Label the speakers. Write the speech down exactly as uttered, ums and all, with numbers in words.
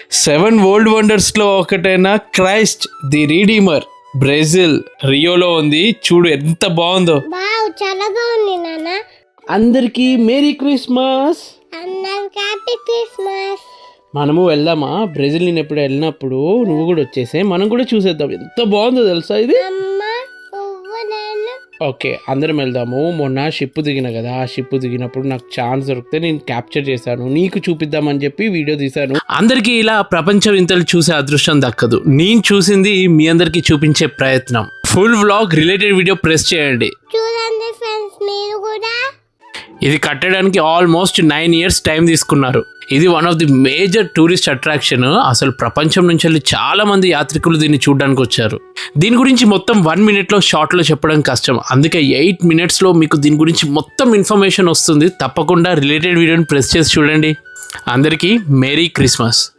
Speaker 1: Seven world వండర్స్లో ఒకటైన Christ the Redeemer Brazil రియోలో ఉంది. చూడు ఎంత బాగుందో.
Speaker 2: వావ్ చాలా బాగుంది నాన్న.
Speaker 1: అందరికీ మేరీ క్రిస్మస్.
Speaker 2: అందరికీ హ్యాపీ క్రిస్మస్.
Speaker 1: మనము వెళ్దామా? బ్రెజిల్ నేను ఎప్పుడు వెళ్ళినప్పుడు నువ్వు కూడా వచ్చేసే, మనం కూడా చూసేద్దాం. ఎంత బాగుందో తెలుసా ఇది.
Speaker 2: అమ్మ నువ్వు నేను
Speaker 1: ఓకే అందరం వెళ్దాము. మొన్న షిప్ దిగిన కదా, ఆ షిప్ దిగినప్పుడు నాకు ఛాన్స్ దొరికితే నేను క్యాప్చర్ చేశాను, నీకు చూపిద్దామని చెప్పి వీడియో తీశాను. అందరికీ ఇలా ప్రపంచ వింతలు చూసే అదృష్టం దక్కదు. నేను చూసింది మీ అందరికీ చూపించే ప్రయత్నం. Full vlog related video press చేయండి.
Speaker 2: చూడండి ఫ్రెండ్స్ మీరు కూడా.
Speaker 1: ఇది కట్టడానికి ఆల్మోస్ట్ నైన్ ఇయర్స్ టైం తీసుకున్నారు. ఇది one of the major tourist attraction. అసలు ప్రపంచం నుంచి వెళ్ళి చాలా మంది యాత్రికులు దీన్ని చూడడానికి వచ్చారు. దీని గురించి మొత్తం వన్ మినిట్లో షార్ట్లో చెప్పడం కష్టం, అందుకే ఎయిట్ మినిట్స్లో మీకు దీని గురించి మొత్తం ఇన్ఫర్మేషన్ వస్తుంది. తప్పకుండా రిలేటెడ్ వీడియోని ప్రెస్ చేసి చూడండి. అందరికీ మేరీ క్రిస్మస్.